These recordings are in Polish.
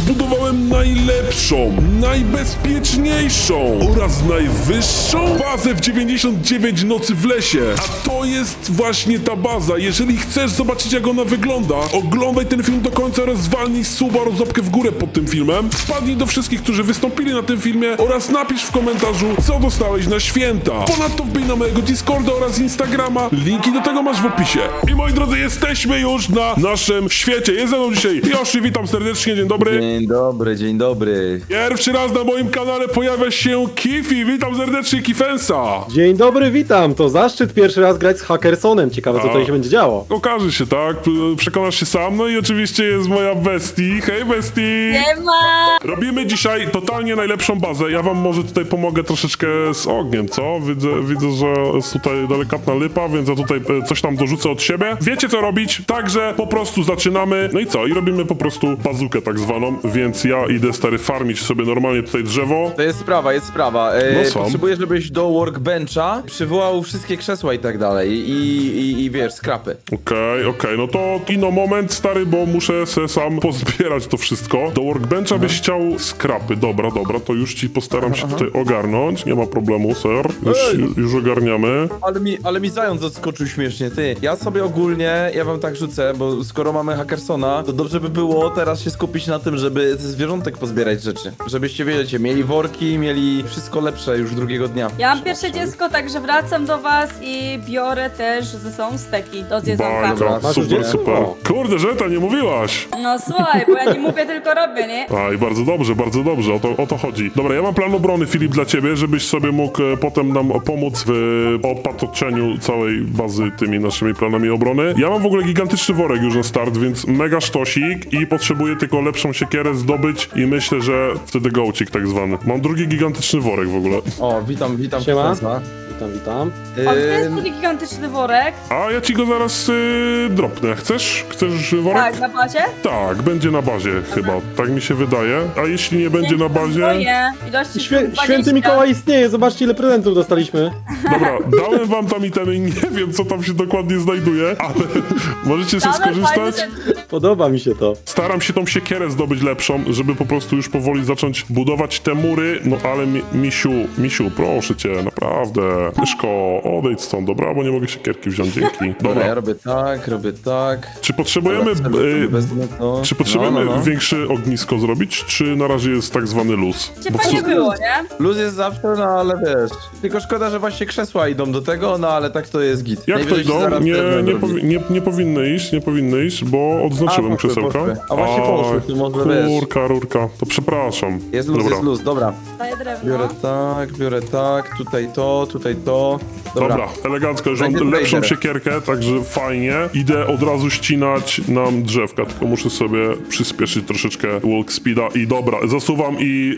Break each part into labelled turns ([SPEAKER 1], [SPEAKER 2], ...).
[SPEAKER 1] zbudowałem najlepszą, najbezpieczniejszą oraz najwyższą bazę w 99 nocy w lesie. A to jest właśnie ta baza. Jeżeli chcesz zobaczyć, jak ona wygląda, oglądaj ten film do końca oraz zwalnij suba oraz łapkę w górę pod tym filmem. Wpadnij do wszystkich, którzy wystąpili na tym filmie oraz napisz w komentarzu, co dostałeś na święta. Ponadto wbij na mojego Discorda oraz Instagrama. Linki do tego masz w opisie. I moi drodzy, jesteśmy już na naszym świecie. Jest ze mną dzisiaj Yoshi, witam serdecznie, dzień dobry.
[SPEAKER 2] Dzień dobry, dzień dobry.
[SPEAKER 1] Pierwszy raz na moim kanale pojawia się Kifi, witam serdecznie Kifensa.
[SPEAKER 3] Dzień dobry, witam. To zaszczyt pierwszy raz grać z Hackersonem. Ciekawe, co tutaj się będzie działo.
[SPEAKER 1] Okaże się, tak? Przekonasz się sam. No i oczywiście jest moja bestii. Hej bestii!
[SPEAKER 4] Nie ma!
[SPEAKER 1] Robimy dzisiaj totalnie najlepszą bazę. Ja wam może tutaj pomogę troszeczkę z ogniem, co? Widzę, że jest tutaj delikatna lipa, więc ja tutaj coś tam dorzucę od siebie. Wiecie, co robić? Także po prostu zaczynamy. No i co? I robimy po prostu bazukę tak zwaną, więc ja idę, stary, farmić sobie normalnie tutaj drzewo.
[SPEAKER 2] To jest sprawa, jest sprawa.
[SPEAKER 1] No są.
[SPEAKER 2] Potrzebuję, żebyś do workbencha przywołał wszystkie krzesła i tak dalej. I wiesz, skrapy.
[SPEAKER 1] Okej, no to ino moment, stary, bo muszę se sam pozbierać to wszystko. Do workbencha byś chciał skrapy. Dobra, to już ci postaram się tutaj ogarnąć. Nie ma problemu, ser. Już ogarniamy.
[SPEAKER 2] Ale mi zając odskoczył śmiesznie, ty. Ja sobie ogólnie, ja wam tak rzucę, bo skoro mamy Hackersona, to dobrze by było teraz się skupić na tym, żeby ze zwierzątek pozbierać rzeczy. Żebyście, wiecie, mieli worki, mieli wszystko lepsze już drugiego dnia.
[SPEAKER 4] Ja mam pierwsze dziecko, także wracam do was i biorę też ze sobą steki do zjedzonka.
[SPEAKER 1] Bardzo,
[SPEAKER 3] Masz już
[SPEAKER 1] super,
[SPEAKER 3] dziecko?
[SPEAKER 1] super. Kurde, Żeta, nie mówiłaś.
[SPEAKER 4] No słuchaj, bo ja nie mówię, tylko robię, nie?
[SPEAKER 1] A i bardzo dobrze, o to chodzi. Dobra, ja mam plan obrony, Filip, dla ciebie, żebyś sobie mógł potem nam pomóc w opatoczeniu całej bazy tymi naszymi planami obrony. Ja mam w ogóle gigantyczny worek już na start, więc mega sztosik i potrzebuję tylko lepszą siekierę zdobyć i myślę, że wtedy gołcik tak zwany. Mam drugi gigantyczny worek w ogóle.
[SPEAKER 2] O, witam,
[SPEAKER 3] Siema.
[SPEAKER 2] Kifensa.
[SPEAKER 3] Witam.
[SPEAKER 4] A gdzie jest taki gigantyczny worek?
[SPEAKER 1] A ja ci go zaraz dropnę. Chcesz worek?
[SPEAKER 4] Tak, na bazie?
[SPEAKER 1] Tak, będzie na bazie chyba. Tak mi się wydaje. A jeśli nie będzie na bazie...
[SPEAKER 4] Boję. Ilości
[SPEAKER 3] Święty Mikołaj istnieje, zobaczcie, ile prezentów dostaliśmy.
[SPEAKER 1] Dobra, dałem wam tam itemy, nie wiem, co tam się dokładnie znajduje, ale możecie sobie skorzystać.
[SPEAKER 3] Podoba mi się to.
[SPEAKER 1] Staram się tą siekierę zdobyć lepszą, żeby po prostu już powoli zacząć budować te mury. No ale misiu, proszę cię, naprawdę. Myszko, odejdź stąd, dobra? Bo nie mogę siekierki wziąć, dzięki.
[SPEAKER 2] Dobra, ja
[SPEAKER 1] Dobra,
[SPEAKER 2] robię tak.
[SPEAKER 1] czy potrzebujemy,
[SPEAKER 2] Wezmę to.
[SPEAKER 1] czy potrzebujemy
[SPEAKER 2] No.
[SPEAKER 1] większe ognisko zrobić, czy na razie jest tak zwany luz?
[SPEAKER 4] Cię
[SPEAKER 1] Bo w
[SPEAKER 4] fajnie
[SPEAKER 1] su-
[SPEAKER 4] było, nie?
[SPEAKER 2] Luz jest zawsze, no ale wiesz. Tylko szkoda, że właśnie krzesła idą do tego, no ale tak to jest git.
[SPEAKER 1] Jak to
[SPEAKER 2] Najwyżej się
[SPEAKER 1] idą?
[SPEAKER 2] zaraz drewnem robi.
[SPEAKER 1] Nie powinny iść, bo odznaczyłem
[SPEAKER 2] poszły,
[SPEAKER 1] krzesełka.
[SPEAKER 2] poszły. A właśnie poszły, to może wiesz.
[SPEAKER 1] Rurka, to przepraszam.
[SPEAKER 2] Jest luz, dobra.
[SPEAKER 4] Daję drewno.
[SPEAKER 2] Biorę tak, tutaj to.
[SPEAKER 1] Dobra, elegancko, już mam
[SPEAKER 2] Będzie
[SPEAKER 1] lepszą
[SPEAKER 2] trader.
[SPEAKER 1] siekierkę, także fajnie. Idę od razu ścinać nam drzewka, tylko muszę sobie przyspieszyć troszeczkę walk speeda i dobra, zasuwam i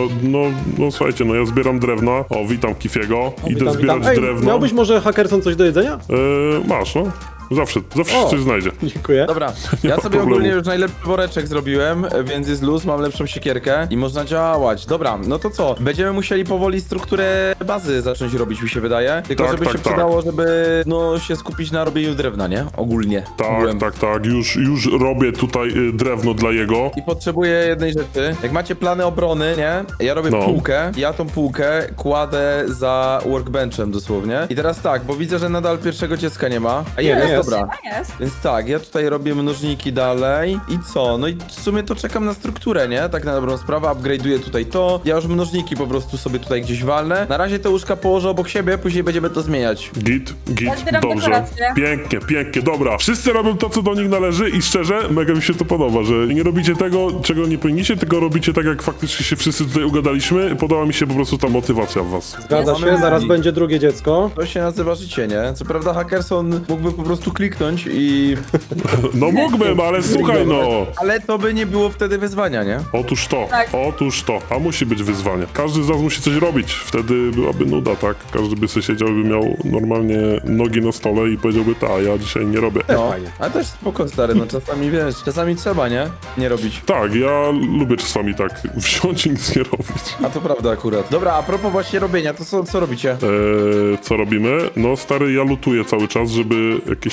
[SPEAKER 1] no słuchajcie, no ja zbieram drewna. O, witam Kifiego. Idę zbierać
[SPEAKER 3] Ej,
[SPEAKER 1] drewno.
[SPEAKER 3] miałbyś może, Hackerson, coś do jedzenia?
[SPEAKER 1] Masz, no. Zawsze się coś znajdzie.
[SPEAKER 3] Dziękuję.
[SPEAKER 2] Dobra,
[SPEAKER 1] Nie
[SPEAKER 2] ja
[SPEAKER 1] ma
[SPEAKER 2] sobie
[SPEAKER 1] problemu.
[SPEAKER 2] ogólnie już najlepszy woreczek zrobiłem, więc jest luz, mam lepszą siekierkę i można działać. Dobra, no to co? Będziemy musieli powoli strukturę bazy zacząć robić, mi się wydaje. Tylko
[SPEAKER 1] Tak,
[SPEAKER 2] żeby
[SPEAKER 1] tak,
[SPEAKER 2] się
[SPEAKER 1] tak.
[SPEAKER 2] przydało, żeby się skupić na robieniu drewna, nie? Ogólnie. Ogółem.
[SPEAKER 1] Tak, już robię tutaj drewno dla jego.
[SPEAKER 2] I potrzebuję jednej rzeczy. Jak macie plany obrony, nie? Ja robię
[SPEAKER 1] No.
[SPEAKER 2] półkę. Ja tą półkę kładę za workbenchem dosłownie. I teraz tak, bo widzę, że nadal pierwszego dziecka nie ma. A jest,
[SPEAKER 3] jest.
[SPEAKER 2] dobra.
[SPEAKER 4] A jest.
[SPEAKER 2] Więc tak, ja tutaj robię mnożniki dalej i co? No i w sumie to czekam na strukturę, nie? Tak na dobrą sprawę, upgrade'uję tutaj to. Ja już mnożniki po prostu sobie tutaj gdzieś walnę. Na razie te łóżka położę obok siebie, później będziemy to zmieniać.
[SPEAKER 1] Git,
[SPEAKER 4] Ja zbieram
[SPEAKER 1] dobrze.
[SPEAKER 4] dekoracje.
[SPEAKER 1] Pięknie, dobra. Wszyscy robią to, co do nich należy i szczerze, mega mi się to podoba, że nie robicie tego, czego nie powinniście, tylko robicie tak, jak faktycznie się wszyscy tutaj ugadaliśmy. Podoba mi się po prostu ta motywacja w was.
[SPEAKER 3] Zgadza się, zaraz będzie drugie dziecko.
[SPEAKER 2] To się nazywa życie, nie? Co prawda Hackerson mógłby po prostu kliknąć i...
[SPEAKER 1] No mógłbym, ale słuchaj no.
[SPEAKER 2] Ale to by nie było wtedy wyzwania, nie?
[SPEAKER 4] Tak.
[SPEAKER 1] Otóż to, a musi być wyzwanie. Każdy z nas musi coś robić, wtedy byłaby nuda, tak? Każdy by sobie siedział i by miał normalnie nogi na stole i powiedziałby, ja dzisiaj nie robię.
[SPEAKER 2] No,
[SPEAKER 3] Fajnie.
[SPEAKER 2] ale też spoko, stary, no czasami wiesz, czasami trzeba, nie? Nie robić.
[SPEAKER 1] Tak, ja lubię czasami tak wziąć i nic nie robić.
[SPEAKER 2] A to prawda akurat. Dobra, a propos właśnie robienia, to co robicie?
[SPEAKER 1] Co robimy? No stary, ja lutuję cały czas, żeby jakieś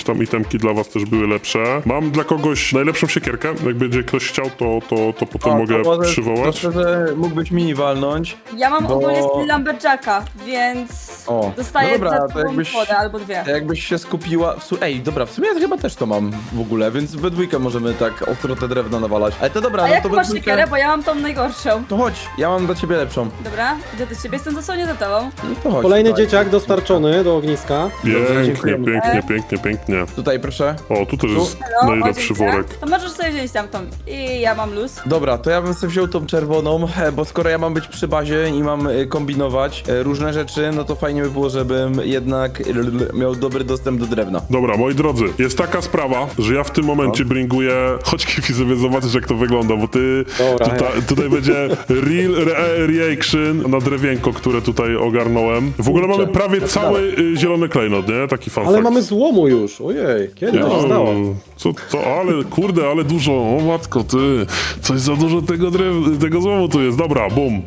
[SPEAKER 1] jakieś tam itemki dla was też były lepsze. Mam dla kogoś najlepszą siekierkę, jak będzie ktoś chciał, to potem mogę przywołać.
[SPEAKER 2] To szczerze, mógłbyś mi walnąć.
[SPEAKER 4] Ja mam
[SPEAKER 2] Bo-
[SPEAKER 4] ogólnie skill Lumberjacka, więc
[SPEAKER 2] O,
[SPEAKER 4] dostaję
[SPEAKER 2] no dobra, to
[SPEAKER 4] dodatkową
[SPEAKER 2] jakbyś-
[SPEAKER 4] wodę albo dwie.
[SPEAKER 2] Jakbyś się skupiła... Ej, dobra, w sumie ja chyba też to mam w ogóle, więc we dwójkę możemy tak ostro te drewno nawalać. Ale to dobra,
[SPEAKER 4] A
[SPEAKER 2] no
[SPEAKER 4] jak
[SPEAKER 2] to we
[SPEAKER 4] masz
[SPEAKER 2] dwójkę...
[SPEAKER 4] siekierę, bo ja mam tą najgorszą.
[SPEAKER 2] To chodź, ja mam dla ciebie lepszą.
[SPEAKER 4] Dobra, idę do ciebie, jestem dosłownie za tobą.
[SPEAKER 2] No to chodź.
[SPEAKER 3] Kolejny
[SPEAKER 2] tutaj.
[SPEAKER 3] dzieciak dostarczony do ogniska.
[SPEAKER 1] Pięknie,
[SPEAKER 2] dziękujemy.
[SPEAKER 1] pięknie.
[SPEAKER 2] Tutaj, proszę.
[SPEAKER 1] O, tu też jest
[SPEAKER 4] No,
[SPEAKER 1] najlepszy
[SPEAKER 4] dziękuję.
[SPEAKER 1] worek.
[SPEAKER 4] To możesz sobie wziąć tamtą. I ja mam luz.
[SPEAKER 2] Dobra, to ja bym sobie wziął tą czerwoną, bo skoro ja mam być przy bazie i mam kombinować różne rzeczy, no to fajnie by było, żebym jednak miał dobry dostęp do drewna.
[SPEAKER 1] Dobra, moi drodzy, jest taka sprawa, że ja w tym momencie bringuję... Chodź, Kifi, sobie zobaczysz, jak to wygląda, bo ty...
[SPEAKER 3] Dobra,
[SPEAKER 1] Tutaj będzie reaction na drewienko, które tutaj ogarnąłem. W ogóle mamy prawie cały zielony klejnot, nie? Taki fun
[SPEAKER 3] Ale
[SPEAKER 1] fact.
[SPEAKER 3] mamy złomu już, ojej, kiedy to się stało?
[SPEAKER 1] Ale kurde, ale dużo, o matko, ty, coś za dużo tego złomu tu jest, dobra, bum.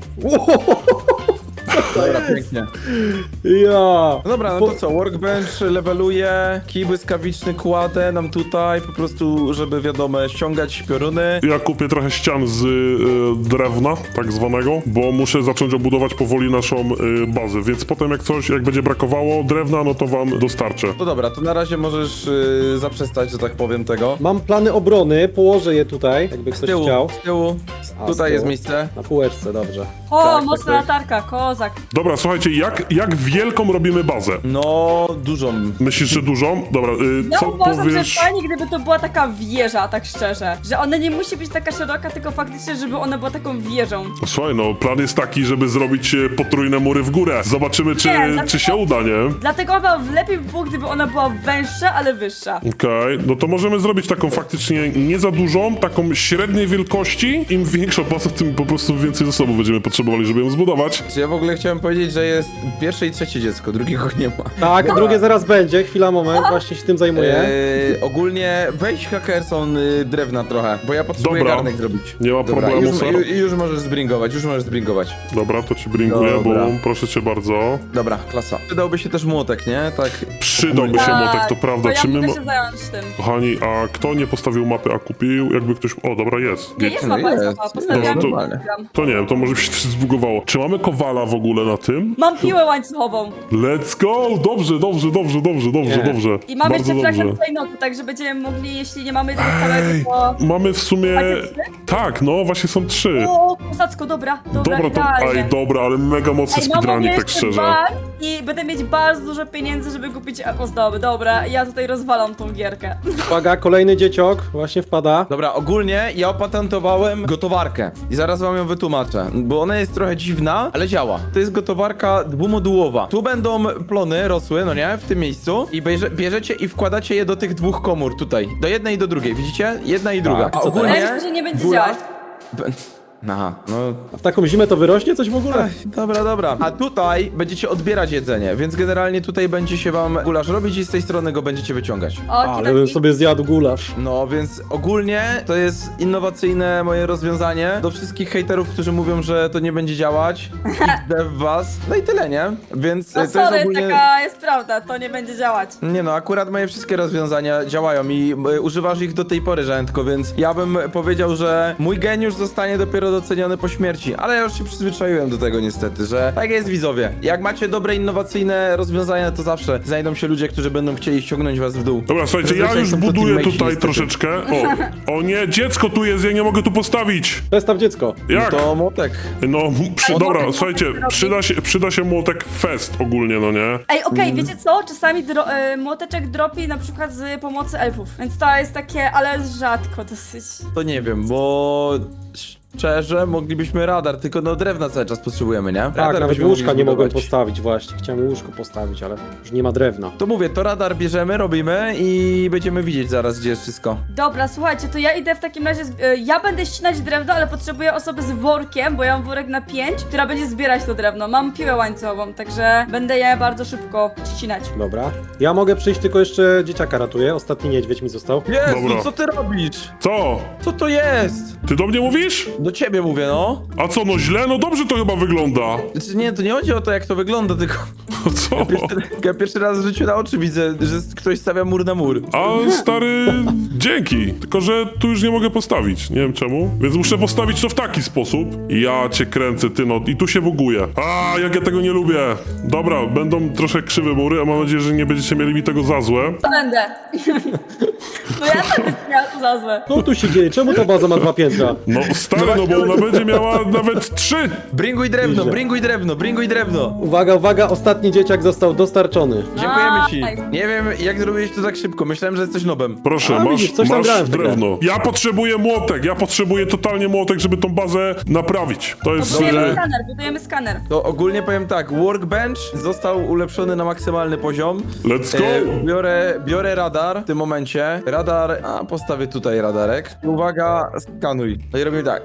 [SPEAKER 2] Dobra, pięknie.
[SPEAKER 3] Ja!
[SPEAKER 2] No dobra, no to co, workbench leveluje, kij błyskawiczny kładę nam tutaj, po prostu, żeby wiadomo, ściągać pioruny.
[SPEAKER 1] Ja kupię trochę ścian z drewna, tak zwanego, bo muszę zacząć obudować powoli naszą bazę, więc potem jak będzie brakowało drewna, no to wam dostarczę.
[SPEAKER 2] No dobra, to na razie możesz zaprzestać, że tak powiem tego.
[SPEAKER 3] Mam plany obrony, położę je tutaj, jakby
[SPEAKER 2] Z
[SPEAKER 3] ktoś
[SPEAKER 2] tyłu,
[SPEAKER 3] chciał.
[SPEAKER 2] z tyłu,
[SPEAKER 3] A, z
[SPEAKER 2] tutaj jest
[SPEAKER 3] tyłu?
[SPEAKER 2] miejsce.
[SPEAKER 3] Na półeczce, dobrze.
[SPEAKER 4] O,
[SPEAKER 2] Tak,
[SPEAKER 4] mocna
[SPEAKER 2] tak.
[SPEAKER 4] latarka, kozak.
[SPEAKER 1] Dobra, słuchajcie, jak wielką robimy bazę?
[SPEAKER 2] No, dużą.
[SPEAKER 1] Myślisz, że dużą? Dobra,
[SPEAKER 4] Ja
[SPEAKER 1] co
[SPEAKER 4] uważam,
[SPEAKER 1] powiesz?
[SPEAKER 4] że fajnie, gdyby to była taka wieża, tak szczerze. Że ona nie musi być taka szeroka, tylko faktycznie, żeby ona była taką wieżą.
[SPEAKER 1] Słuchaj, no plan jest taki, żeby zrobić potrójne mury w górę. Zobaczymy, czy się uda, nie?
[SPEAKER 4] Dlatego chyba lepiej by było, gdyby ona była węższa, ale wyższa.
[SPEAKER 1] Okej, no to możemy zrobić taką faktycznie nie za dużą, taką średniej wielkości. Im większa baza, tym po prostu więcej zasobów będziemy potrzebowali, żeby ją zbudować.
[SPEAKER 2] Ja w ogóle chciałem powiedzieć, że jest pierwsze i trzecie dziecko, drugiego nie ma.
[SPEAKER 3] Tak, drugie zaraz będzie, chwila, moment, właśnie się tym zajmuję.
[SPEAKER 2] Ogólnie weź Hackerson drewna trochę, bo ja potrzebuję
[SPEAKER 1] Dobra.
[SPEAKER 2] garnek zrobić.
[SPEAKER 1] Nie ma
[SPEAKER 2] Dobra,
[SPEAKER 1] problemu, sir.
[SPEAKER 2] już możesz zbringować,
[SPEAKER 1] Dobra, to ci bringuję,
[SPEAKER 2] Dobra.
[SPEAKER 1] bo proszę cię bardzo.
[SPEAKER 2] Dobra, klasa. Przydałby się też młotek, nie? Tak.
[SPEAKER 1] Przydałby się
[SPEAKER 4] Tak,
[SPEAKER 1] motek, to prawda.
[SPEAKER 4] To ja
[SPEAKER 1] Czy my...
[SPEAKER 4] mogę się zająć tym.
[SPEAKER 1] Kochani, a kto nie postawił mapy, a kupił? Jakby ktoś... O, dobra, jest.
[SPEAKER 4] Nie, jest
[SPEAKER 2] no
[SPEAKER 4] mapa, jest
[SPEAKER 2] jest.
[SPEAKER 4] mapa,
[SPEAKER 1] Dobra,
[SPEAKER 4] postawiłam.
[SPEAKER 1] to-
[SPEAKER 2] normalnie.
[SPEAKER 1] To nie wiem, to może mi się coś zbugowało. Czy mamy kowala w ogóle na tym?
[SPEAKER 4] Mam piłę łańcuchową.
[SPEAKER 1] Let's go! Dobrze.
[SPEAKER 3] Nie.
[SPEAKER 4] I mam
[SPEAKER 1] Bardzo
[SPEAKER 4] jeszcze fragment
[SPEAKER 1] dobrze.
[SPEAKER 4] klejnotu, także będziemy mogli, jeśli nie mamy tego całego, to...
[SPEAKER 1] Mamy w sumie...
[SPEAKER 4] Macie trzy?
[SPEAKER 1] Tak, no, właśnie są 3.
[SPEAKER 4] O, kozacko, dobra,
[SPEAKER 1] Dobra, to...
[SPEAKER 4] idealnie.
[SPEAKER 1] Ej, dobra, ale mega mocny
[SPEAKER 4] Ej, mam
[SPEAKER 1] speedrunning, tak
[SPEAKER 4] jeszcze
[SPEAKER 1] szczerze.
[SPEAKER 4] bar i będę mieć bardzo dużo pieniędzy, żeby kupić ozdoby. Dobra, ja tutaj rozwalam tą gierkę.
[SPEAKER 3] Uwaga, kolejny dzieciok właśnie wpada.
[SPEAKER 2] Dobra, ogólnie ja opatentowałem gotowarkę i zaraz wam ją wytłumaczę, bo ona jest trochę dziwna, ale działa. To jest gotowarka dwumodułowa. Tu będą plony rosły, no nie, w tym miejscu i bierzecie i wkładacie je do tych dwóch komór tutaj, do jednej i do drugiej, widzicie? Jedna i druga.
[SPEAKER 3] Tak,
[SPEAKER 2] A
[SPEAKER 3] co to
[SPEAKER 2] ogólnie...
[SPEAKER 4] jest? Że nie będzie
[SPEAKER 2] góra-
[SPEAKER 4] działać.
[SPEAKER 2] Aha, no
[SPEAKER 3] A w taką zimę to wyrośnie coś w ogóle?
[SPEAKER 2] dobra. A tutaj będziecie odbierać jedzenie, więc generalnie tutaj będzie się wam gulasz robić i z tej strony go będziecie wyciągać.
[SPEAKER 3] Ale bym sobie zjadł gulasz.
[SPEAKER 2] No, więc ogólnie to jest innowacyjne moje rozwiązanie do wszystkich hejterów, którzy mówią, że to nie będzie działać. Idę w was. No i tyle, nie? Więc
[SPEAKER 4] No
[SPEAKER 2] to jest
[SPEAKER 4] sorry,
[SPEAKER 2] ogólnie...
[SPEAKER 4] taka jest prawda, to nie będzie działać.
[SPEAKER 2] Nie no, akurat moje wszystkie rozwiązania działają i używasz ich do tej pory, Żętko, więc ja bym powiedział, że mój geniusz zostanie dopiero doceniony po śmierci, ale ja już się przyzwyczaiłem do tego niestety, że tak jest, widzowie. Jak macie dobre, innowacyjne rozwiązania, to zawsze znajdą się ludzie, którzy będą chcieli ściągnąć was w dół.
[SPEAKER 1] Dobra, słuchajcie, ja
[SPEAKER 2] Zazwyczaj
[SPEAKER 1] już
[SPEAKER 2] są to
[SPEAKER 1] buduję
[SPEAKER 2] teammatesi,
[SPEAKER 1] tutaj
[SPEAKER 2] niestety.
[SPEAKER 1] troszeczkę. O nie, dziecko tu jest, ja nie mogę tu postawić.
[SPEAKER 3] Przestaw dziecko.
[SPEAKER 1] Jak?
[SPEAKER 2] To młotek.
[SPEAKER 1] No, dobra,
[SPEAKER 4] młotek
[SPEAKER 1] słuchajcie,
[SPEAKER 4] robi.
[SPEAKER 1] przyda się młotek fest ogólnie, no nie?
[SPEAKER 4] Ej, okej, wiecie co? Czasami młoteczek dropi na przykład z pomocy elfów, więc to jest takie, ale rzadko dosyć.
[SPEAKER 2] To nie wiem, bo szczerze moglibyśmy radar, tylko no drewna cały czas potrzebujemy, nie?
[SPEAKER 3] Tak,
[SPEAKER 2] Radar
[SPEAKER 3] nawet
[SPEAKER 2] byśmy
[SPEAKER 3] łóżka
[SPEAKER 2] mogli
[SPEAKER 3] nie mogłem
[SPEAKER 2] zbudować.
[SPEAKER 3] postawić właśnie. Chciałem łóżko postawić, ale już nie ma drewna.
[SPEAKER 2] To mówię, to radar bierzemy, robimy i będziemy widzieć zaraz, gdzie jest wszystko.
[SPEAKER 4] Dobra, słuchajcie, to ja idę w takim razie, ja będę ścinać drewno, ale potrzebuję osoby z workiem, bo ja mam worek na 5, która będzie zbierać to drewno. Mam piłę łańcuchową, także będę je bardzo szybko ścinać.
[SPEAKER 3] Dobra. Ja mogę przyjść, tylko jeszcze dzieciaka ratuję. Ostatni niedźwiedź mi został.
[SPEAKER 2] Jezu,
[SPEAKER 1] Dobra.
[SPEAKER 2] co ty robisz?
[SPEAKER 1] Co?
[SPEAKER 2] Co to jest?
[SPEAKER 1] Ty do mnie mówisz?
[SPEAKER 2] Do ciebie mówię, no.
[SPEAKER 1] A co, no źle? No dobrze to chyba wygląda.
[SPEAKER 2] Znaczy, nie, to nie chodzi o to, jak to wygląda, tylko
[SPEAKER 1] Co?
[SPEAKER 2] ja pierwszy raz w życiu na oczy widzę, że ktoś stawia mur na mur.
[SPEAKER 1] A stary, dzięki. Tylko, że tu już nie mogę postawić. Nie wiem czemu. Więc muszę postawić to w taki sposób. Ja cię kręcę, ty no. I tu się buguję. A, jak ja tego nie lubię. Dobra, będą troszkę krzywe mury, a mam nadzieję, że nie będziecie mieli mi tego za złe.
[SPEAKER 4] To będę. No ja tak miała to za złe.
[SPEAKER 3] Co tu się dzieje? Czemu ta baza ma 2 piętra?
[SPEAKER 1] No stary, no bo ona będzie miała nawet 3.
[SPEAKER 2] Bringuj drewno,
[SPEAKER 3] Idzie.
[SPEAKER 2] bringuj drewno, bringuj drewno.
[SPEAKER 3] Uwaga, uwaga, ostatni dzieciak został dostarczony.
[SPEAKER 2] Dziękujemy ci.
[SPEAKER 4] Aj.
[SPEAKER 2] Nie wiem, jak zrobiłeś to tak szybko. Myślałem, że jesteś nobem.
[SPEAKER 1] Proszę,
[SPEAKER 3] A,
[SPEAKER 1] masz,
[SPEAKER 3] widzisz, coś tam
[SPEAKER 1] masz
[SPEAKER 3] grałem w tę grę.
[SPEAKER 1] drewno. Ja potrzebuję młotek, ja potrzebuję totalnie młotek, żeby tą bazę naprawić. To jest...
[SPEAKER 4] Budujemy skaner.
[SPEAKER 2] To ogólnie powiem tak, workbench został ulepszony na maksymalny poziom.
[SPEAKER 1] Let's go!
[SPEAKER 2] Biorę radar w tym momencie. Radar, a postawię tutaj radarek. I uwaga, skanuj. No i robimy tak.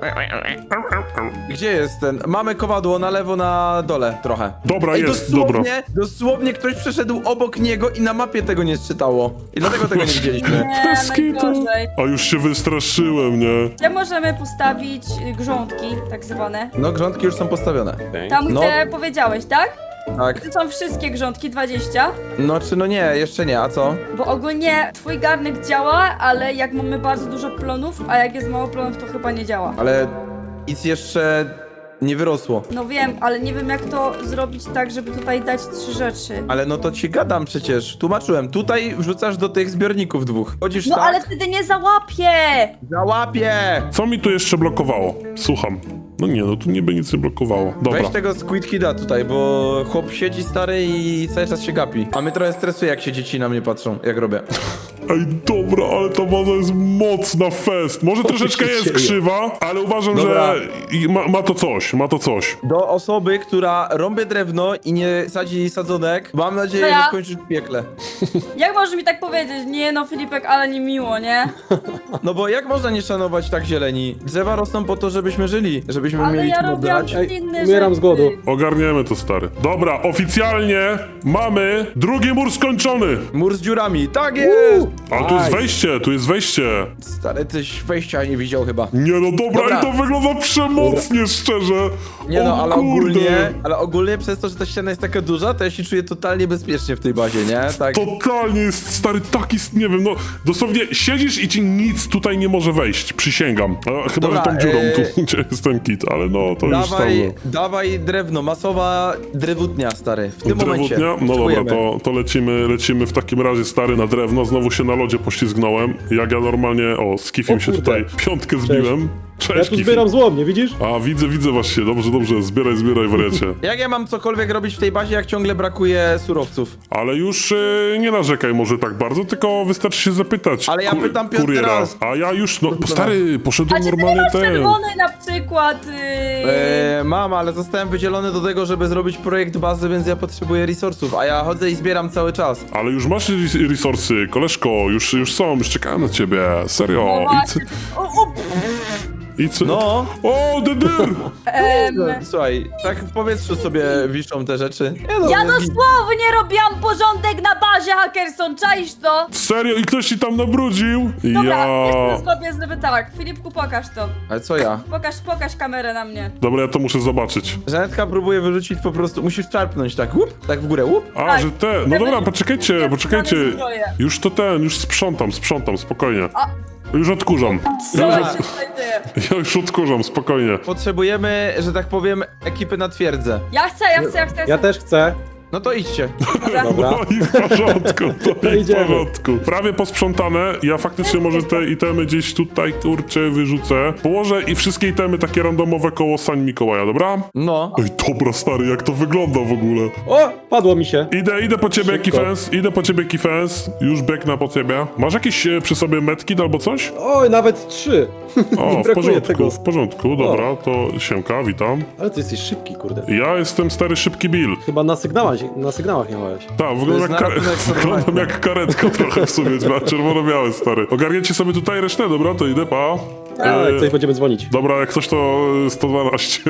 [SPEAKER 2] Gdzie jest ten? Mamy kowadło na lewo, na dole trochę.
[SPEAKER 1] Dobra,
[SPEAKER 2] Ej,
[SPEAKER 1] jest, dobra.
[SPEAKER 2] Dosłownie ktoś przeszedł obok niego i na mapie tego nie czytało. I dlatego tego nie widzieliśmy.
[SPEAKER 4] Nie,
[SPEAKER 1] Bez kitu.
[SPEAKER 4] najgorzej.
[SPEAKER 1] A już się wystraszyłem, nie?
[SPEAKER 4] Gdzie możemy postawić grządki, tak zwane?
[SPEAKER 2] No, grządki już są postawione.
[SPEAKER 4] Tam,
[SPEAKER 2] No.
[SPEAKER 4] gdzie powiedziałeś, tak?
[SPEAKER 2] Tak.
[SPEAKER 4] To są wszystkie grządki, 20.
[SPEAKER 2] No czy no nie, jeszcze nie, a co?
[SPEAKER 4] Bo ogólnie twój garnek działa, ale jak mamy bardzo dużo plonów, a jak jest mało plonów, to chyba nie działa.
[SPEAKER 2] Ale nic jeszcze nie wyrosło.
[SPEAKER 4] No wiem, ale nie wiem jak to zrobić tak, żeby tutaj dać 3 rzeczy.
[SPEAKER 2] Ale no to ci gadam przecież. Tłumaczyłem. Tutaj wrzucasz do tych zbiorników 2. Chodzisz
[SPEAKER 4] No
[SPEAKER 2] tak,
[SPEAKER 4] ale wtedy nie załapię!
[SPEAKER 2] załapie!
[SPEAKER 1] Co mi tu jeszcze blokowało? Słucham. No nie, no tu niby nic nie blokowało. Dobra.
[SPEAKER 2] Weź tego Squid Kida tutaj, bo chłop siedzi stary i cały czas się gapi. A mnie trochę stresuje, jak się dzieci na mnie patrzą, jak robię.
[SPEAKER 1] Ej, dobra, ale ta baza jest mocna fest. Może troszeczkę
[SPEAKER 3] się
[SPEAKER 1] jest
[SPEAKER 3] dzieje?
[SPEAKER 1] krzywa, ale uważam,
[SPEAKER 2] Dobra.
[SPEAKER 1] że ma to coś, ma to coś.
[SPEAKER 2] Do osoby, która rąbie drewno i nie sadzi sadzonek, mam nadzieję,
[SPEAKER 4] To ja.
[SPEAKER 2] że skończysz w piekle.
[SPEAKER 4] Jak możesz mi tak powiedzieć? Nie no, Filipek, ale nie miło, nie?
[SPEAKER 2] No bo jak można nie szanować tak zieleni? Drzewa rosną po to, żebyśmy żyli, żebyśmy
[SPEAKER 4] Ale
[SPEAKER 2] mieli
[SPEAKER 4] ja
[SPEAKER 2] czym
[SPEAKER 4] robiłam
[SPEAKER 2] oddać.
[SPEAKER 3] Ej,
[SPEAKER 4] inne
[SPEAKER 3] umieram
[SPEAKER 4] rzeczy.
[SPEAKER 3] z głodu.
[SPEAKER 1] Ogarniemy to, stary. Dobra, oficjalnie mamy drugi mur skończony.
[SPEAKER 2] Mur z dziurami, tak jest!
[SPEAKER 1] A tu jest wejście, tu jest wejście.
[SPEAKER 2] Stary, tyś wejścia nie widział chyba.
[SPEAKER 1] Nie no, dobra,
[SPEAKER 2] Dobra.
[SPEAKER 1] i to wygląda przemocnie, szczerze.
[SPEAKER 2] Nie no,
[SPEAKER 1] O
[SPEAKER 2] ale
[SPEAKER 1] kurde.
[SPEAKER 2] ogólnie przez to, że ta ściana jest taka duża, to ja się czuję totalnie bezpiecznie w tej bazie, nie? Tak.
[SPEAKER 1] Totalnie jest, stary, taki, nie wiem, no, dosłownie siedzisz i ci nic tutaj nie może wejść, przysięgam. A, chyba,
[SPEAKER 2] Dobra,
[SPEAKER 1] że tą dziurą tu, gdzie jest ten kit, ale no, to już tam...
[SPEAKER 2] Dawaj drewno, masowa drewutnia, stary, w tym momencie.
[SPEAKER 1] Drewutnia? No dobra,
[SPEAKER 2] potrzebujemy.
[SPEAKER 1] to lecimy w takim razie, stary, na drewno. Znowu się na lodzie poślizgnąłem. Jak ja normalnie, z Kifim
[SPEAKER 3] O
[SPEAKER 1] się
[SPEAKER 3] kurde.
[SPEAKER 1] tutaj piątkę zbiłem.
[SPEAKER 3] Ja
[SPEAKER 1] Cześć,
[SPEAKER 3] tu
[SPEAKER 1] Kifi.
[SPEAKER 3] zbieram złomnie, widzisz?
[SPEAKER 1] A, widzę właśnie, dobrze, zbieraj, wariacie.
[SPEAKER 2] Jak ja mam cokolwiek robić w tej bazie, jak ciągle brakuje surowców?
[SPEAKER 1] Ale już nie narzekaj może tak bardzo, tylko wystarczy się zapytać
[SPEAKER 2] Ale ja pytam piąty
[SPEAKER 1] kuriera.
[SPEAKER 2] raz.
[SPEAKER 1] A ja już, no stary, poszedłem
[SPEAKER 4] A czy ty nie
[SPEAKER 1] normalnie
[SPEAKER 4] masz
[SPEAKER 1] ten.
[SPEAKER 4] czerwonej na przykład?
[SPEAKER 2] Mam, ale zostałem wydzielony do tego, żeby zrobić projekt bazy, więc ja potrzebuję resursów, a ja chodzę i zbieram cały czas.
[SPEAKER 1] Ale już masz resursy, koleżko, już są, już czekałem na ciebie, serio.
[SPEAKER 4] No właśnie.
[SPEAKER 1] I co?
[SPEAKER 2] No.
[SPEAKER 1] O, dedyr!
[SPEAKER 2] Słuchaj, tak w powietrzu sobie wiszą te rzeczy. Nie no,
[SPEAKER 4] Ja
[SPEAKER 2] jest git.
[SPEAKER 4] dosłownie robiłam porządek na bazie, Hackerson, czaisz to?
[SPEAKER 1] Serio? I ktoś ci tam nabrudził?
[SPEAKER 4] Dobra,
[SPEAKER 1] Ja...
[SPEAKER 4] jeszcze zrobię, żeby tak. Filipku, pokaż to.
[SPEAKER 2] Ale co ja?
[SPEAKER 4] Pokaż kamerę na mnie.
[SPEAKER 1] Dobra, ja to muszę zobaczyć.
[SPEAKER 2] Żanetka próbuje wyrzucić po prostu, musisz czarpnąć tak, łup, tak w górę, łup.
[SPEAKER 1] A,
[SPEAKER 4] Tak.
[SPEAKER 1] że te... No dobra, poczekajcie.
[SPEAKER 4] zbroję.
[SPEAKER 1] Już to już sprzątam, spokojnie.
[SPEAKER 4] A.
[SPEAKER 1] Już odkurzam.
[SPEAKER 4] Co
[SPEAKER 1] Ja
[SPEAKER 4] się
[SPEAKER 1] już,
[SPEAKER 4] tutaj dzieje?
[SPEAKER 1] ja już odkurzam, spokojnie.
[SPEAKER 2] Potrzebujemy, że tak powiem, ekipy na twierdzę.
[SPEAKER 4] Ja chcę.
[SPEAKER 3] Ja też chcę.
[SPEAKER 2] No to idźcie.
[SPEAKER 3] Dobra.
[SPEAKER 1] No i w porządku, to i w
[SPEAKER 3] Idziemy.
[SPEAKER 1] porządku. Prawie posprzątane. Ja faktycznie może te itemy gdzieś tutaj, kurczę, wyrzucę. Położę i wszystkie itemy takie randomowe koło Sań Mikołaja, dobra?
[SPEAKER 2] No.
[SPEAKER 1] Ej, dobra, stary, jak to wygląda w ogóle.
[SPEAKER 3] O, padło mi się.
[SPEAKER 1] Idę po ciebie,
[SPEAKER 3] Szybko.
[SPEAKER 1] Kifens, już biegnę po ciebie. Masz jakieś przy sobie medkit albo coś?
[SPEAKER 3] Oj, nawet 3.
[SPEAKER 1] O,
[SPEAKER 3] Nie
[SPEAKER 1] w
[SPEAKER 3] brakuje
[SPEAKER 1] porządku,
[SPEAKER 3] tego.
[SPEAKER 1] w porządku, dobra, to siemka, witam.
[SPEAKER 3] Ale ty jesteś szybki, kurde.
[SPEAKER 1] Ja jestem stary szybki Bill.
[SPEAKER 3] Chyba na sygnała na sygnałach miałeś.
[SPEAKER 1] Tak, wyglądam
[SPEAKER 2] jest naratunek
[SPEAKER 1] wyglądam jak karetka trochę w sumie, ma czerwono-białe, stary. Ogarniecie sobie tutaj resztę, dobra, to idę, pa.
[SPEAKER 3] Ale coś będziemy dzwonić.
[SPEAKER 1] Dobra, jak coś to 112.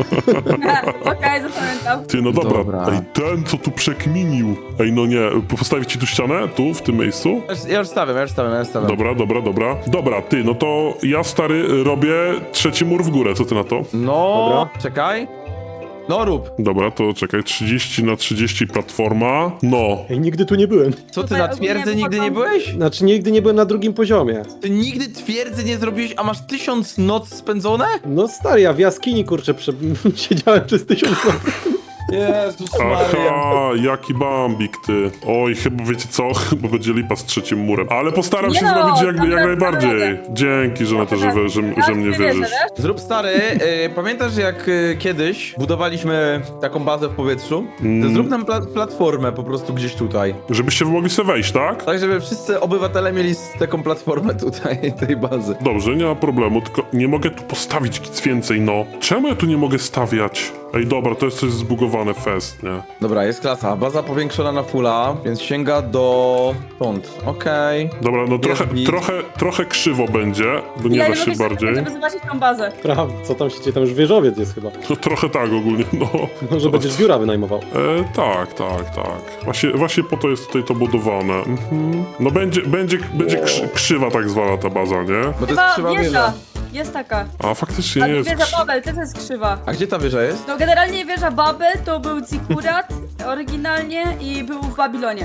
[SPEAKER 4] Okej, zapamiętam.
[SPEAKER 1] Ty, no dobra.
[SPEAKER 2] Dobra.
[SPEAKER 1] Ej, ten, co tu przekminił. Ej, no nie, postawić ci tu ścianę? Tu, w tym miejscu?
[SPEAKER 2] Ja już stawiam.
[SPEAKER 1] Dobra. Dobra, ty, no to ja, stary, robię trzeci mur w górę, co ty na to?
[SPEAKER 2] No,
[SPEAKER 3] Dobra.
[SPEAKER 2] czekaj. No rób.
[SPEAKER 1] Dobra, to czekaj, 30 na 30 platforma. No.
[SPEAKER 3] Ej, nigdy tu nie byłem.
[SPEAKER 2] Co ty
[SPEAKER 4] Tutaj
[SPEAKER 2] na
[SPEAKER 4] ogólnie
[SPEAKER 2] twierdzy nigdy nie
[SPEAKER 4] wychodzą-
[SPEAKER 2] byłeś?
[SPEAKER 3] Znaczy, nigdy nie byłem na drugim poziomie.
[SPEAKER 2] Ty nigdy twierdzy nie zrobiłeś, a masz 1000 noc spędzone?
[SPEAKER 3] No stary, ja w jaskini, kurczę, siedziałem przez 1000 lat.
[SPEAKER 2] Jezus
[SPEAKER 1] Aha, jaki bambik, ty. Oj, chyba wiecie co? Chyba będzie lipa z trzecim murem. Ale postaram się
[SPEAKER 4] Nie no,
[SPEAKER 1] zrobić jak
[SPEAKER 4] dobra,
[SPEAKER 1] najbardziej.
[SPEAKER 4] dobra.
[SPEAKER 1] Dzięki, że na to, że mnie wierzysz.
[SPEAKER 2] Zrób stary, pamiętasz jak kiedyś budowaliśmy taką bazę w powietrzu? To zrób nam platformę po prostu gdzieś tutaj.
[SPEAKER 1] Żebyście wy mogli sobie wejść, tak?
[SPEAKER 2] Tak, żeby wszyscy obywatele mieli taką platformę tutaj, tej bazy.
[SPEAKER 1] Dobrze, nie ma problemu, tylko nie mogę tu postawić nic więcej, no. Czemu ja tu nie mogę stawiać? Ej, dobra, to jest coś zbugowane fest, nie?
[SPEAKER 2] Dobra, jest klasa. Baza powiększona na fulla, więc sięga do stąd. Okej.
[SPEAKER 1] Dobra, no
[SPEAKER 2] git.
[SPEAKER 1] trochę krzywo będzie, bo nie da się bardziej.
[SPEAKER 4] Żeby zobaczyć tą bazę.
[SPEAKER 3] Prawda, co tam się dzieje? Tam już wieżowiec jest chyba.
[SPEAKER 1] No trochę tak ogólnie, no.
[SPEAKER 3] Może będziesz biura wynajmował.
[SPEAKER 1] Tak. Właśnie po to jest tutaj to budowane. Mhm. No będzie krzywa tak zwana ta baza, nie?
[SPEAKER 2] Bo to jest
[SPEAKER 4] Chyba
[SPEAKER 2] krzywa
[SPEAKER 4] wieża.
[SPEAKER 2] wieża.
[SPEAKER 4] Jest taka.
[SPEAKER 1] A faktycznie
[SPEAKER 4] A
[SPEAKER 1] nie jest
[SPEAKER 4] wieża Babel też jest krzywa.
[SPEAKER 2] A gdzie ta wieża jest?
[SPEAKER 4] No generalnie wieża Babel to był Zikurat oryginalnie i był w Babilonie.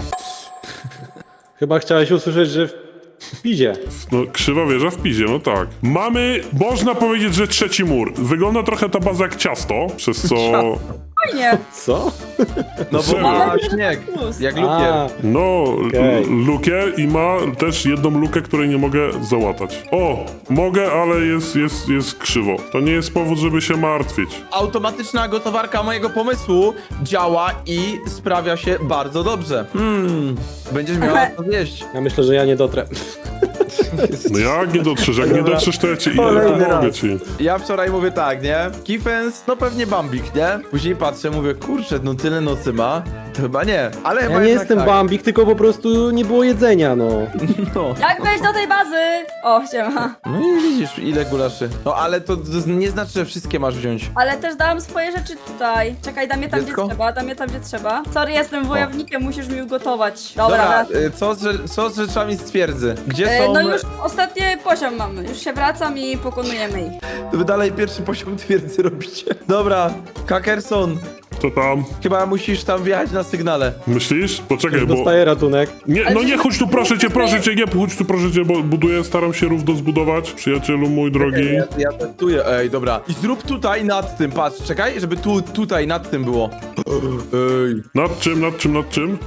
[SPEAKER 3] Chyba chciałeś usłyszeć, że w Pizie.
[SPEAKER 1] No, krzywa wieża w Pizie, no tak. Mamy, można powiedzieć, że trzeci mur. Wygląda trochę ta baza jak ciasto, przez co...
[SPEAKER 4] Fajnie.
[SPEAKER 3] Co?
[SPEAKER 2] No bo
[SPEAKER 1] Serio?
[SPEAKER 2] ma śnieg, jak lukier.
[SPEAKER 3] A,
[SPEAKER 1] No,
[SPEAKER 3] Okej.
[SPEAKER 1] lukę i ma też jedną lukę, której nie mogę załatać. O, mogę, ale jest krzywo. To nie jest powód, żeby się martwić.
[SPEAKER 2] Automatyczna gotowarka mojego pomysłu działa i sprawia się bardzo dobrze. Będziesz miała to zjeść.
[SPEAKER 3] ja myślę, że ja nie dotrę.
[SPEAKER 1] No jak nie dotrzesz? Jak nie dotrzesz, to ja ci
[SPEAKER 3] Kolejny
[SPEAKER 1] pomogę
[SPEAKER 3] raz.
[SPEAKER 1] ci.
[SPEAKER 2] Ja wczoraj mówię tak, nie? Kifens, no pewnie Bambik, nie? Później patrzę, mówię, kurczę, no tyle nocy ma. To chyba nie, ale chyba
[SPEAKER 3] Ja nie
[SPEAKER 2] jednak
[SPEAKER 3] jestem
[SPEAKER 2] tak.
[SPEAKER 3] Bambik, tylko po prostu nie było jedzenia, no.
[SPEAKER 2] No.
[SPEAKER 4] Jak wejść do tej bazy? O, siema.
[SPEAKER 2] No i widzisz, ile gulaszy. No ale to nie znaczy, że wszystkie masz wziąć.
[SPEAKER 4] Ale też dałam swoje rzeczy tutaj. Czekaj, dam je tam,
[SPEAKER 2] Dziecko?
[SPEAKER 4] gdzie trzeba, dam je tam, gdzie trzeba. Sorry, jestem wojownikiem, musisz mi ugotować. Dobra.
[SPEAKER 2] Co z rzeczami z twierdzy? Gdzie są...
[SPEAKER 4] No już ostatni poziom mamy. Już się wracam i pokonujemy ich.
[SPEAKER 2] To wy dalej pierwszy poziom twierdzy robicie. Dobra, Kakerson,
[SPEAKER 1] To tam.
[SPEAKER 2] chyba musisz tam wjechać na sygnale.
[SPEAKER 1] Myślisz? Poczekaj, bo...
[SPEAKER 3] Dostaję ratunek.
[SPEAKER 1] Nie,
[SPEAKER 4] Ale
[SPEAKER 1] no nie,
[SPEAKER 4] przecież-
[SPEAKER 1] chodź tu, proszę cię, nie, chodź tu, proszę cię, bo buduję, staram się równo zbudować, przyjacielu mój drogi.
[SPEAKER 2] Ja testuję, ej, dobra. I zrób tutaj nad tym, patrz, czekaj, żeby tutaj nad tym było. Ej.
[SPEAKER 1] Nad czym?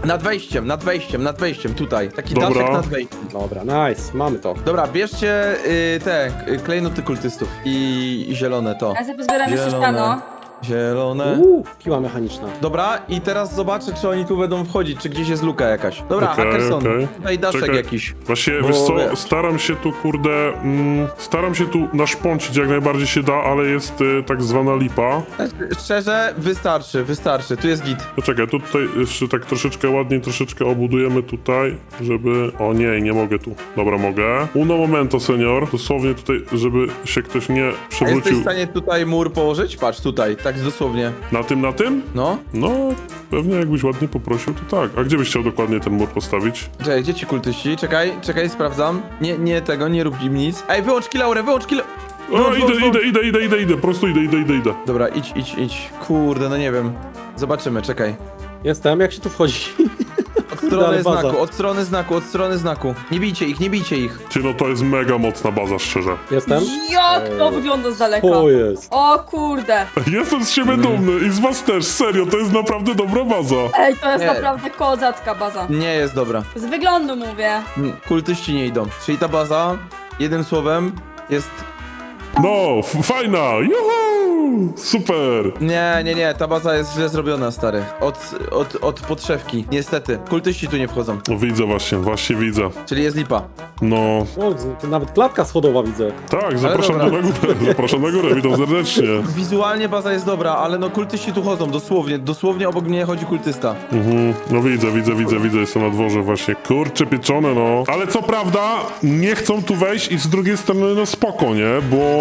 [SPEAKER 2] Nad wejściem, tutaj. Taki
[SPEAKER 1] Dobra.
[SPEAKER 2] daszek nad wejściem.
[SPEAKER 3] Dobra, nice, mamy to.
[SPEAKER 2] Dobra, bierzcie te klejnoty kultystów i zielone to.
[SPEAKER 4] Ja sobie pozbieram jeszcze
[SPEAKER 2] Zielone.
[SPEAKER 4] ściano.
[SPEAKER 2] Zielone.
[SPEAKER 3] Piła mechaniczna.
[SPEAKER 2] Dobra, i teraz zobaczę, czy oni tu będą wchodzić, czy gdzieś jest luka jakaś. Dobra,
[SPEAKER 1] Okej,
[SPEAKER 2] Hackerson,
[SPEAKER 1] okej.
[SPEAKER 2] tutaj daszek
[SPEAKER 1] Czekaj.
[SPEAKER 2] jakiś.
[SPEAKER 1] Właśnie,
[SPEAKER 2] Bo
[SPEAKER 1] wiesz co,
[SPEAKER 2] wiesz.
[SPEAKER 1] staram się tu, kurde, staram się tu naszpącić jak najbardziej się da, ale jest tak zwana lipa.
[SPEAKER 2] Szczerze, wystarczy, tu jest git.
[SPEAKER 1] Poczekaj, tutaj jeszcze tak troszeczkę ładniej, troszeczkę obudujemy tutaj, żeby... O nie mogę tu. Dobra, mogę. Uno momento, senior. Dosłownie tutaj, żeby się ktoś nie
[SPEAKER 2] A jesteś
[SPEAKER 1] przewrócił.
[SPEAKER 2] w stanie tutaj mur położyć? Patrz, tutaj, tak dosłownie.
[SPEAKER 1] Na tym?
[SPEAKER 2] No.
[SPEAKER 1] No, pewnie jakbyś ładnie poprosił, to tak. A gdzie byś chciał dokładnie ten mur postawić?
[SPEAKER 2] Czekaj, gdzie ci kultyści? Czekaj, sprawdzam. Nie tego, nie rób im nic. Ej, wyłącz kilaurę, wyłącz killa...
[SPEAKER 1] O, idę, po prostu idę.
[SPEAKER 2] Dobra, idź. Kurde, no nie wiem. Zobaczymy, czekaj.
[SPEAKER 3] Jestem, jak się tu wchodzi?
[SPEAKER 2] Od
[SPEAKER 3] Kurde,
[SPEAKER 2] strony
[SPEAKER 3] ale baza.
[SPEAKER 2] znaku, od strony znaku. Nie bijcie ich.
[SPEAKER 1] Ty, no to jest mega mocna baza, szczerze.
[SPEAKER 3] Jestem?
[SPEAKER 4] Jak to wygląda z daleka?
[SPEAKER 3] O jest.
[SPEAKER 4] O kurde.
[SPEAKER 1] Jestem z siebie dumny i z was też, serio, to jest naprawdę dobra baza.
[SPEAKER 4] Ej, to jest
[SPEAKER 2] Nie.
[SPEAKER 4] naprawdę kozacka baza.
[SPEAKER 2] Nie jest dobra.
[SPEAKER 4] Z wyglądu mówię.
[SPEAKER 2] Kultyści nie idą. Czyli ta baza, jednym słowem, jest...
[SPEAKER 1] No, fajna, juhu! Super.
[SPEAKER 2] Nie, ta baza jest źle zrobiona, stary. Od podszewki, niestety. Kultyści tu nie wchodzą,
[SPEAKER 1] No widzę właśnie widzę.
[SPEAKER 2] czyli jest lipa.
[SPEAKER 1] No,
[SPEAKER 3] O, to nawet klatka schodowa widzę.
[SPEAKER 1] tak, zapraszam
[SPEAKER 2] dobra.
[SPEAKER 1] na górę, zapraszam na górę, witam serdecznie.
[SPEAKER 2] Wizualnie baza jest dobra, ale no kultyści tu chodzą, dosłownie obok mnie chodzi kultysta.
[SPEAKER 1] No widzę, jestem na dworze właśnie. Kurcze pieczone, no. Ale co prawda, nie chcą tu wejść i z drugiej strony, no spoko, nie?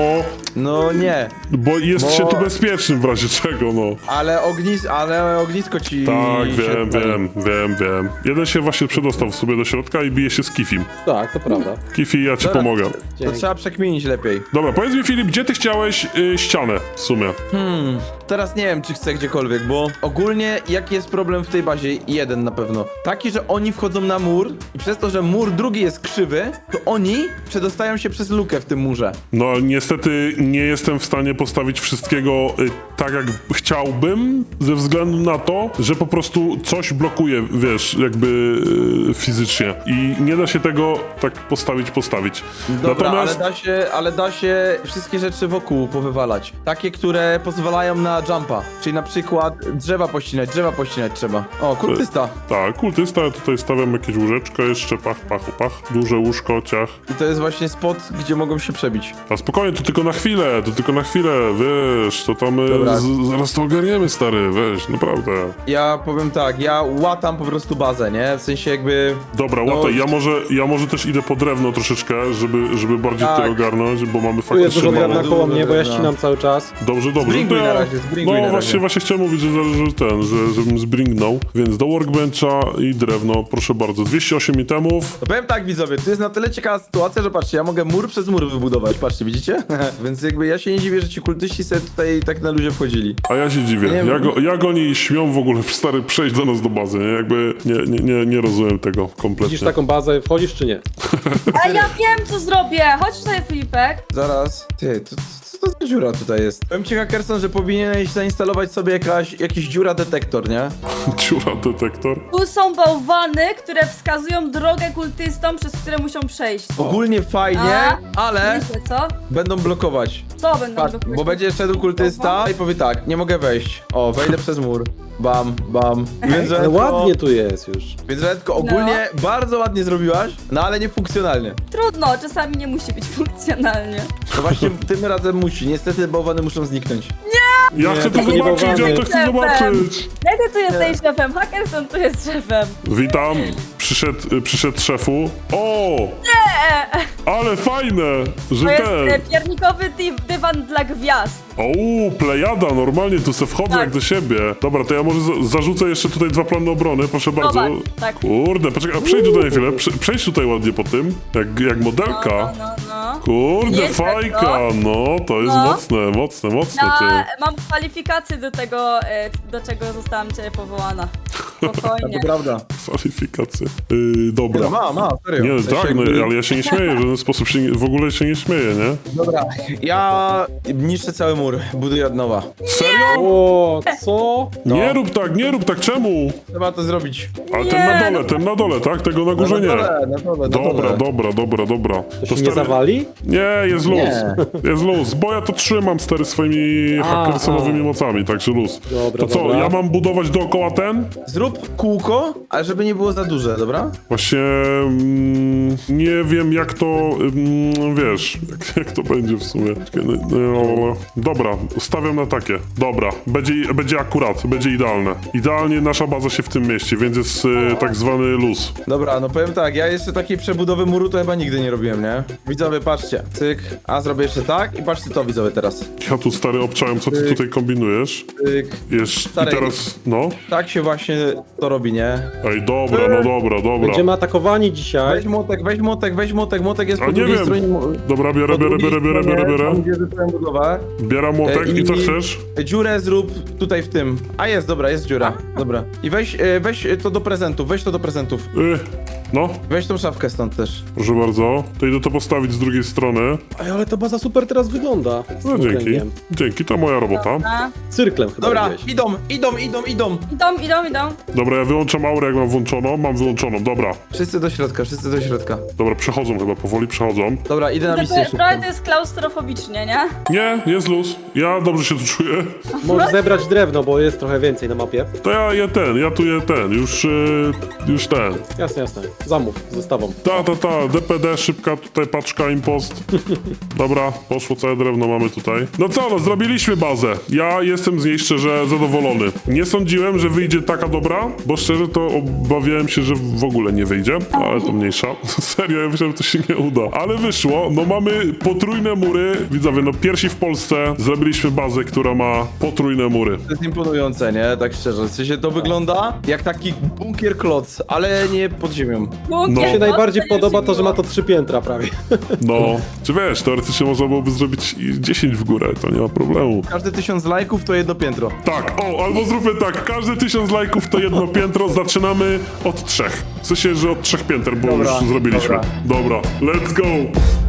[SPEAKER 2] No nie,
[SPEAKER 1] Bo jest
[SPEAKER 2] Bo-
[SPEAKER 1] się tu bezpiecznym w razie czego, no.
[SPEAKER 2] ale ognisko ci...
[SPEAKER 1] Tak,
[SPEAKER 2] się
[SPEAKER 1] wiem. Jeden się właśnie przedostał w sobie do środka i bije się z Kifim.
[SPEAKER 3] Tak, to prawda.
[SPEAKER 1] Kifi, ja ci
[SPEAKER 2] Dobra.
[SPEAKER 1] pomogę.
[SPEAKER 2] To trzeba przekminić lepiej.
[SPEAKER 1] Dobra, powiedz mi Filip, gdzie ty chciałeś ścianę w sumie?
[SPEAKER 2] Teraz nie wiem, czy chcę gdziekolwiek, bo ogólnie jaki jest problem w tej bazie? Jeden na pewno. Taki, że oni wchodzą na mur i przez to, że mur drugi jest krzywy, to oni przedostają się przez lukę w tym murze.
[SPEAKER 1] No niestety nie jestem w stanie postawić wszystkiego tak jak chciałbym, ze względu na to, że po prostu coś blokuje, wiesz, jakby fizycznie i nie da się tego tak postawić.
[SPEAKER 2] Dobra,
[SPEAKER 1] Natomiast
[SPEAKER 2] ale da się wszystkie rzeczy wokół powywalać. Takie, które pozwalają na jumpa. Czyli na przykład drzewa pościnać trzeba. O, kultysta.
[SPEAKER 1] tak, kultysta, ja tutaj stawiam jakieś łóżeczko jeszcze, pach, duże łóżko, ciach.
[SPEAKER 2] I to jest właśnie spot, gdzie mogą się przebić.
[SPEAKER 1] A spokojnie, to tylko na chwilę, wiesz, to tam
[SPEAKER 2] Dobra.
[SPEAKER 1] zaraz to ogarniemy, stary, weź, naprawdę.
[SPEAKER 2] Ja powiem tak, ja łatam po prostu bazę, nie? W sensie jakby...
[SPEAKER 1] Dobra,
[SPEAKER 2] No,
[SPEAKER 1] łataj, ja może też idę po drewno troszeczkę, żeby bardziej
[SPEAKER 2] Tak.
[SPEAKER 1] to ogarnąć, bo mamy
[SPEAKER 3] Tu jest dużo
[SPEAKER 1] faktycznie...
[SPEAKER 3] drewna koło mnie, bo ja ścinam cały czas.
[SPEAKER 1] Dobrze.
[SPEAKER 2] Zbringuj
[SPEAKER 1] To
[SPEAKER 2] na razie, zbringuj
[SPEAKER 1] No
[SPEAKER 2] na razie.
[SPEAKER 1] właśnie chciałem mówić, żebym zbringnął. Więc do workbencha i drewno, proszę bardzo. 208 itemów.
[SPEAKER 2] No powiem tak, widzowie, to jest na tyle ciekawa sytuacja, że patrzcie, ja mogę mur przez mur wybudować, patrzcie, widzicie? Więc jakby ja się nie dziwię, że ci kultyści sobie tutaj tak na luzie wchodzili.
[SPEAKER 1] A ja się dziwię.
[SPEAKER 2] Nie wiem.
[SPEAKER 1] Jak oni śmią w ogóle, stary, przejść do nas do bazy, nie? Jakby nie rozumiem tego kompletnie.
[SPEAKER 3] Widzisz taką bazę, wchodzisz czy nie?
[SPEAKER 4] A ja wiem, co zrobię! Chodź tutaj, Filipek.
[SPEAKER 2] Zaraz, ty, co to za dziura tutaj jest? Powiem ci, Hackerson, że powinieneś zainstalować sobie jakiś dziura detektor, nie?
[SPEAKER 1] Dziura detektor.
[SPEAKER 4] Tu są bałwany, które wskazują drogę kultystom, przez które muszą przejść.
[SPEAKER 2] Ogólnie fajnie,
[SPEAKER 4] A?
[SPEAKER 2] ale
[SPEAKER 4] Myślę, co?
[SPEAKER 2] będą blokować.
[SPEAKER 4] Co będą
[SPEAKER 2] Patrz,
[SPEAKER 4] blokować?
[SPEAKER 2] bo będzie szedł kultysta i powie tak, nie mogę wejść. O, wejdę przez mur. Bam. Więc
[SPEAKER 3] Ale ładnie tu jest już.
[SPEAKER 2] Więc Redko, ogólnie bardzo ładnie zrobiłaś, no ale niefunkcjonalnie.
[SPEAKER 4] Trudno, czasami nie musi być funkcjonalnie.
[SPEAKER 2] To właśnie tym razem musi. Niestety bałwany muszą zniknąć.
[SPEAKER 1] Ja chcę to
[SPEAKER 3] to nie
[SPEAKER 1] zobaczyć,
[SPEAKER 3] bałwany.
[SPEAKER 1] ja to chcę zobaczyć.
[SPEAKER 4] Jak ty tu jesteś szefem? Hackerson tu jest szefem.
[SPEAKER 1] Witam, przyszedł szefu. O! Ale fajne, że
[SPEAKER 4] To jest
[SPEAKER 1] ten...
[SPEAKER 4] piernikowy dywan dla gwiazd.
[SPEAKER 1] O, plejada, normalnie tu se wchodzę
[SPEAKER 4] Tak.
[SPEAKER 1] jak do siebie. Dobra, to ja może zarzucę jeszcze tutaj 2 plany obrony, proszę bardzo.
[SPEAKER 4] Zobacz, tak.
[SPEAKER 1] Kurde, poczekaj, a przejdź tutaj na chwilę, przejdź tutaj ładnie po tym, jak modelka.
[SPEAKER 4] No.
[SPEAKER 1] Kurde,
[SPEAKER 4] Nieźle,
[SPEAKER 1] fajka, no, to jest
[SPEAKER 4] No.
[SPEAKER 1] mocne, ty.
[SPEAKER 4] Mam kwalifikacje do tego, do czego zostałam cię powołana. Spokojnie.
[SPEAKER 2] To prawda.
[SPEAKER 1] Kwalifikacje. Dobra.
[SPEAKER 2] No, ma, serio.
[SPEAKER 1] Nie,
[SPEAKER 2] W sensie
[SPEAKER 1] tak, no,
[SPEAKER 2] jakby-
[SPEAKER 1] ale ja się nie śmieję, w żaden sposób w ogóle się nie śmieję, nie?
[SPEAKER 2] Dobra, ja niszczę cały mur, buduję od nowa.
[SPEAKER 1] Serio?
[SPEAKER 3] O, co?
[SPEAKER 2] No.
[SPEAKER 1] Nie rób tak, czemu?
[SPEAKER 2] Trzeba to zrobić.
[SPEAKER 1] Ale
[SPEAKER 4] Nie,
[SPEAKER 1] ten na dole, tak? Tego na górze nie.
[SPEAKER 2] Na dole.
[SPEAKER 1] Dobra.
[SPEAKER 3] To się nie zawali?
[SPEAKER 1] Nie, jest luz.
[SPEAKER 2] Nie.
[SPEAKER 1] Jest luz, bo ja to trzymam stary swoimi hackersonowymi mocami, także luz.
[SPEAKER 3] Dobra,
[SPEAKER 1] To co,
[SPEAKER 3] dobra.
[SPEAKER 1] ja mam budować dookoła ten?
[SPEAKER 2] Zrób kółko, ale żeby nie było za duże, dobra?
[SPEAKER 1] Właśnie nie wiem jak to, wiesz, jak to będzie w sumie. Dobra, stawiam na takie. Dobra, będzie akurat, będzie idealne. Idealnie nasza baza się w tym mieści, więc jest tak zwany luz.
[SPEAKER 2] Dobra, no powiem tak, ja jeszcze takiej przebudowy muru to chyba nigdy nie robiłem, nie? Widzowie, patrzcie, cyk, a zrobię jeszcze tak i patrzcie to, widzowie, teraz.
[SPEAKER 1] Ja tu stary obczałem, co ty tutaj kombinujesz.
[SPEAKER 2] Cyk,
[SPEAKER 1] I
[SPEAKER 2] Stary,
[SPEAKER 1] teraz, no.
[SPEAKER 2] tak się właśnie to robi, nie?
[SPEAKER 1] Ej, dobra.
[SPEAKER 3] Będziemy atakowani dzisiaj.
[SPEAKER 2] Weź młotek jest
[SPEAKER 1] A
[SPEAKER 2] po
[SPEAKER 1] nie
[SPEAKER 2] drugiej
[SPEAKER 1] wiem.
[SPEAKER 2] stronie.
[SPEAKER 1] Dobra, biorę.
[SPEAKER 2] Tam, gdzie zacząłem budowę.
[SPEAKER 1] Bieram młotek i co
[SPEAKER 2] I-
[SPEAKER 1] chcesz?
[SPEAKER 2] Dziurę zrób tutaj w tym. A jest, dobra, jest dziura. Dobra. I weź to do prezentów, weź to do prezentów.
[SPEAKER 1] No,
[SPEAKER 2] Weź tą szafkę stąd też.
[SPEAKER 1] proszę bardzo. To idę to postawić z drugiej strony.
[SPEAKER 3] Ej, ale ta baza super teraz wygląda. Z
[SPEAKER 1] No
[SPEAKER 3] tym
[SPEAKER 1] dzięki.
[SPEAKER 3] kręgiem.
[SPEAKER 1] Dzięki, to moja robota.
[SPEAKER 4] A,
[SPEAKER 3] Cyrklem chyba
[SPEAKER 2] Dobra,
[SPEAKER 3] robiłeś.
[SPEAKER 2] idą.
[SPEAKER 4] idą.
[SPEAKER 1] Dobra, ja wyłączam aurę, jak mam włączoną. Mam wyłączoną, dobra.
[SPEAKER 2] Wszyscy do środka.
[SPEAKER 1] Dobra, przechodzą chyba, powoli przechodzą.
[SPEAKER 2] Dobra, idę na
[SPEAKER 4] To
[SPEAKER 2] misję
[SPEAKER 4] jest,
[SPEAKER 2] szybko.
[SPEAKER 4] trochę to jest klaustrofobicznie, nie?
[SPEAKER 1] Nie, jest luz. Ja dobrze się tu czuję.
[SPEAKER 3] Możesz zebrać drewno, bo jest trochę więcej na mapie.
[SPEAKER 1] To ja tu już ten.
[SPEAKER 3] Jasne, jasne. Zamów, z zestawą.
[SPEAKER 1] Ta, DPD, szybka tutaj paczka, impost. Dobra, poszło całe drewno mamy tutaj. No co, no zrobiliśmy bazę. Ja jestem z niej szczerze zadowolony. Nie sądziłem, że wyjdzie taka dobra, bo szczerze to obawiałem się, że w ogóle nie wyjdzie, ale to mniejsza. Serio, ja myślałem, że to się nie uda. Ale wyszło, no mamy potrójne mury. Widzowie, no pierwsi w Polsce zrobiliśmy bazę, która ma potrójne mury.
[SPEAKER 2] To jest imponujące, nie? Tak szczerze. W sensie to wygląda jak taki bunkier kloc, ale nie pod ziemią.
[SPEAKER 1] No.
[SPEAKER 3] Mi się najbardziej podoba to, że ma to 3 piętra prawie.
[SPEAKER 1] No, czy wiesz, teoretycznie można byłoby zrobić i 10 w górę, to nie ma problemu.
[SPEAKER 2] Każde 1000 lajków to jedno piętro.
[SPEAKER 1] Tak, albo zróbmy tak, każde 1000 lajków to jedno piętro, zaczynamy od 3. W sensie, że od 3 pięter, bo
[SPEAKER 2] Dobra,
[SPEAKER 1] już zrobiliśmy.
[SPEAKER 2] dobra.
[SPEAKER 1] Dobra, let's go!